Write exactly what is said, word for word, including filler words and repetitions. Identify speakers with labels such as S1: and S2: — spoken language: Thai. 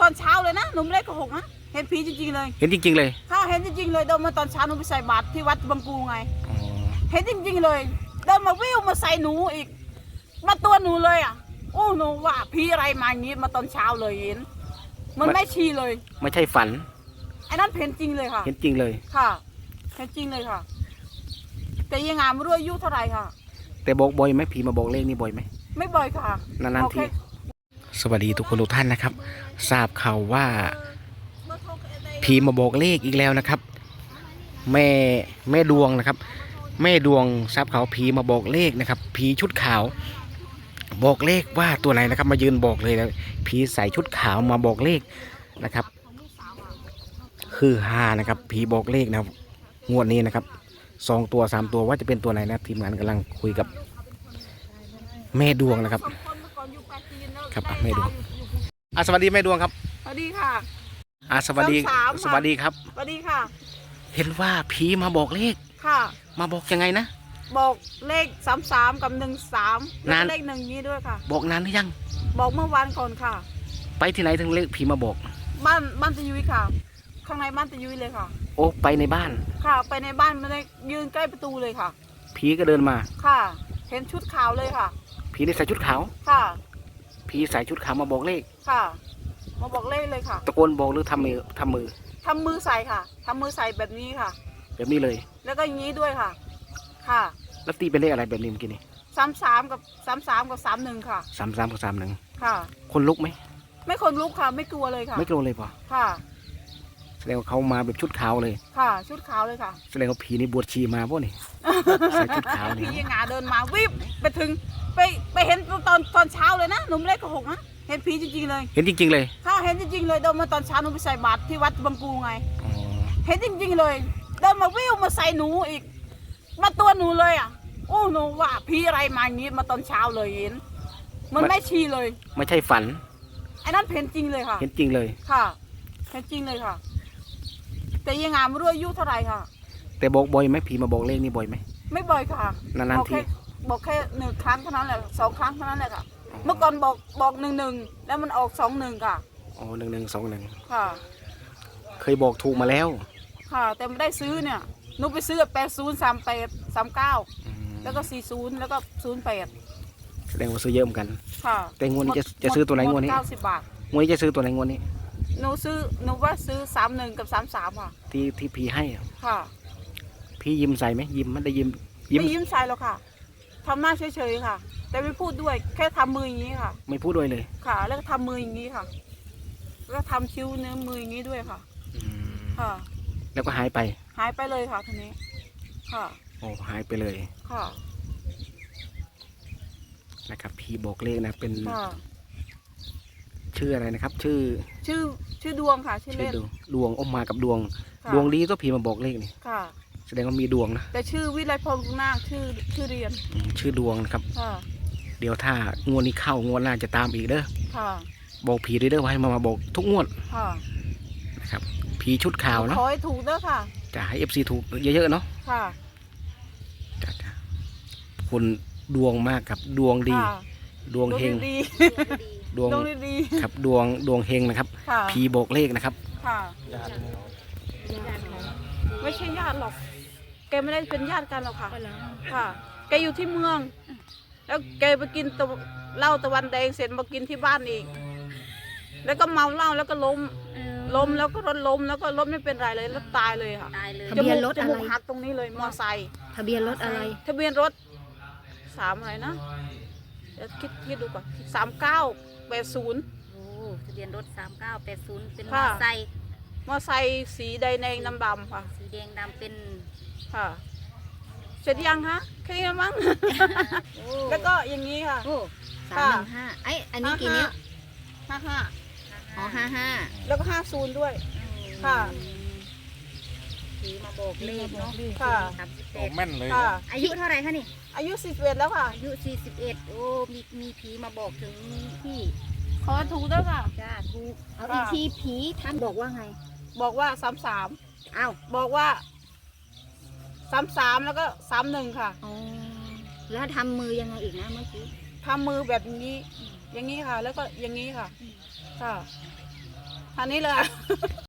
S1: อนเช้าเลยนะหนูไม่ได้โกหกนะเห็นผีจริงๆเลย
S2: เห็นจริงๆเลย
S1: ค่ะเห็นจริงๆเลยเดินมาตอนเช้าหนูไปใส่บาตรที่วัดบางปูไง
S2: อ๋อ
S1: เห็นจริงๆเลยเดินมาวิ่งมาใส่หนูอีกมาตัวหนูเลยอ่ะโอ้หนูว่าผีอะไรมาอย่างงี้มาตอนเช้าเลยเห็นมันไม่ชีเลย
S2: ไม่ใช่ฝัน
S1: ไอ้นั่นเห็นจริงเลยค่ะ
S2: เห็นจริงเลย
S1: ค่ะเห็นจริงเลยค่ะแต่ยังงามไม่รู้อายุเท่าไหร่ค่ะ
S2: แต่บอกบ่อยไหมผีมาบอกเลขนี่บ่อยไหม
S1: ไม่บ่อยค่ะ
S2: นานๆทีสวัสดีทุกคนทุกท่านนะครับทราบข่าวว่าผีมาบอกเลขอีกแล้วนะครับแม่แม่ดวงนะครับแม่ดวงทราบข่าวผีมาบอกเลขนะครับผีชุดขาวบอกเลขว่าตัวไหนนะครับมายืนบอกเลยนะผีใส่ชุดขาวมาบอกเลขนะครับคือฮานะครับผีบอกเลขนะครับงวดนี้นะครับสองตัวสามตัวว่าจะเป็นตัวไหนนะทีมงานกำลังคุยกับแม่ดวงนะครับครับแม่ดวงอ่ะสวัสดีแม่ดวงครับ
S1: สวัสดีค่ะ
S2: อ่ะสวัสดีสวัสดีครับ
S1: สวัสดีค่ะ
S2: เห็นว่าผีมาบอกเลข
S1: ค่ะ
S2: มาบอกยังไงนะ
S1: บอกเลขสามสามกับหนึ่งสามแล้วเลขหนึ่งนี้ด้วยค่ะ
S2: บอกนานหรือยัง
S1: บอกเมื่อวานก่อนค่ะ
S2: ไปที่ไหนถึงเลขผีมาบอก
S1: บ้านบ้านตะยุยค่ะข้างในบ้านตะยุยเลยค่ะ
S2: โอ้ไปในบ้าน
S1: ค่ะไปในบ้านไม่ได้ยืนใกล้ประตูเลยค่ะ
S2: ผีก็เดินมา
S1: ค่ะเห็นชุดขาวเลยค่ะ
S2: ผีได้ใส่ชุดขาว
S1: ค่ะ
S2: ผีใส่ชุดขาวมาบอกเลข
S1: ค่ะมาบอกเลขเลยค่ะ
S2: ตะโกนบอกหรือทำมือทำมือ
S1: ทำมือใส่ค่ะทำมือใส่แบบนี้ค่ะ
S2: แบบนี้เลย
S1: แล้วก็อย่างนี้ด้วยค่ะค่ะ
S2: แล้วตีเป็นเลขอะไรแบบนี้เมื่อกี้นี้
S1: สามสามกับสามสามกับสามหนึ่งค่ะ
S2: สามสามกับสามหนึ่ง
S1: ค่ะ
S2: คนลุกไหม
S1: ไม่คนลุกค่ะไม่กลัวเลยค่ะ
S2: ไม่กลัวเลยป่ะ
S1: ค่ะ
S2: แสดงว่าเขามาแบบชุดขาวเลย
S1: ค่ะชุดขาวเลยค่ะ
S2: แสดงว่าผีนี่บวชชีมาป่ะนี่ใส่ชุดขาวนี่
S1: ผีงาเดินมาวิบไปถึงไปไปเห็นตอนตอนเช้าเลยนะหนูไม่ได้โกหกนะเห็นผีจริงๆเลย
S2: เห็นจริงๆเลย
S1: ค่ะเห็นจริงๆเลยเดินมาตอนเช้าหนูไปใส่บาตรที่วัดบางปูไง
S2: อ๋อ
S1: เห็นจริงๆเลยเดินมาวิ่งมาใส่หนูอีกมาตัวหนูเลยอ่ะโอ้หนูว่าผีอะไรมาอย่างงี้มาตอนเช้าเลยเห็นมันไม่ชีเลย
S2: ไม่ใช่ฝัน
S1: ไอ้นั่นเห็นจริงเลยค่ะ
S2: เห็นจริงเลย
S1: ค่ะเห็นจริงเลยค่ะแต่ยังงามไม่รู้อายุเท่าไหร่ค่ะ
S2: แต่บอกบ่อยไหมผีมาบอกเลขนี่บ่อยไหม
S1: ไม่บ่อยค่ะ
S2: นานๆที
S1: บอกแค่หนึ่งครั้งเท่านั้นแหละสองครั้งเท่านั้นแหละค่ะเมื่อก่อนบอกบอกหนึ่งหนึ่งแล้วมันออกสองหนึ่งค่ะ
S2: อ๋อหนึ่งหนึ่งสองหนึ่ง
S1: ค่ะ
S2: เคยบอกถูกมาแล้ว
S1: ค่ะแต่ไม่ได้ซื้อเนี่ยหนูไปซื้อแปดศูนย์สามแปดสามเก้าแล้วก็สี่ศูนย์แล้วก็ศูนย์แปด
S2: แสดงว่าซื้อเยอะเหมือนกัน
S1: ค่ะ
S2: แต่งวดนี้จะจะซื้อตัวไหนงวดนี้
S1: เก้าสิบบาท
S2: งวดนี้จะซื้อตัวไหนงวดนี้
S1: หนูซื้อหนูว่าซื้อสามหนึ่งกับสามสามค่ะ
S2: ที่ที่พี่ให้
S1: ค่ะ
S2: พี่ยิ้มใส่ไหมยิ้มมันได้ยิ้ม
S1: ไม่ยิ้มใส่หรอกค่ะทำหน้าเฉยๆค่ะแต่ไม่พูดด้วยแค่ทำมืออย่างนี้ค่ะ
S2: ไม่พูดด้วยเลย
S1: ค่ะแล้วก็ทำมืออย่างนี้ค่ะแล้วก็ทำคิ้วเนื้อมืออย่างนี้ด้วยค่ะค่ะ
S2: แล้วก็หายไป
S1: หายไปเลยค่ะทีนี้ค่ะ
S2: โอ้หายไปเลย
S1: ค่ะ
S2: นะครับพี่บอกเลขนะเป็นชื่ออะไรนะครับชื่อ
S1: ชื่อชื่อดวงค่ะชื่อเล่น
S2: ดวงอมมากับดวงดวงดีก็ผีมาบอกเลขนี่
S1: ค่ะ
S2: แสดงว่ามีดวงนะ
S1: แต่ชื่อวิไลพงษ์นาคชื่อชื่อเรียน
S2: ชื่อดวงนะครับ
S1: ค่ะ
S2: เดี๋ยวถ้างวดนี้เข้างวดหน้าจะตามอีกเด้อ
S1: ค่ะ
S2: บอกผีด้วยเด้อว่าให้มามาบอกทุกงวด
S1: ค่ะ
S2: นะครับผีชุดขาวเนาะ
S1: ขอให้ถูกเด้อค่ะ
S2: จะให้เอฟซีถูกเยอะๆเนาะ
S1: ค่ะ
S2: จ้าคุณดวงมากครับดวงดีดวงเฮงดวง
S1: ดี
S2: ครับดวงดวงเฮงนะครับผีบอกเลขนะครับ
S1: ค่ะไม่ใช่ญาติหรอกแกไม่ได้เป็นญาติกันหรอกค่ะค่ะแกอยู่ที่เมืองแล้วแกไปกินเหล้าตะวันแดงเสร็จมากินที่บ้านอีกแล้วก็เมาเหล้าแล้วก็ล้มล้มแล้วก็รถล้มแล้วก็รถไม่เป็นไรเลยแล้วตายเลยค่ะ
S3: ทะเบียนรถอะไร
S1: หักตรงนี้เลยมอไซค์
S3: ทะเบียนรถอะไร
S1: ทะเบียนรถสามอะไรนะเดี๋ยวคิดคิดดูก่อนสามเก้าแปดศูนย์
S3: โอ้ทะเบียนรถสามเก้าแปดศูนย์เป็นมอไซค์
S1: มอไซค์สีแดงแดงดำดำค่ะ
S3: สีแดงดำเป็น
S1: ค่ะเสร็จยังคะแค่นี้มั้งแล้วก็อย่างนี้ค่ะ
S3: โอ้สามหนึ่งห้าไออันนี้กี่นิ้ว
S1: ห้าห้า
S3: อ๋อห้าห้า
S1: แล้วก็ห้าศูนย์ด้วยค่ะ
S3: ผีมาบอกเลขเนาะ
S1: ค่ะ
S2: แม่นเลย
S3: อายุเท่าไหร่คะนี่
S1: อายุสี่สิบเอ็ดแล้วค่ะ
S3: อายุสี่สิบเอ็ดโอ้มีมีผีมาบอกถึงพี่
S1: ขอถูกด้วยค่ะ
S3: จ้าถูกเอาอีกทีผีท่านบอกว่าไง
S1: บอกว่าสามสาม
S3: อ้าว
S1: บอกว่าสามสามแล้วก็สามหนึ่งค่ะ
S3: อ๋อแล้วทำมือยังไงอีกนะเมื่อกี้
S1: ทำมือแบบนี้อย่างนี้ค่ะแล้วก็อย่างนี้ค่ะค่ะคันนี้เลย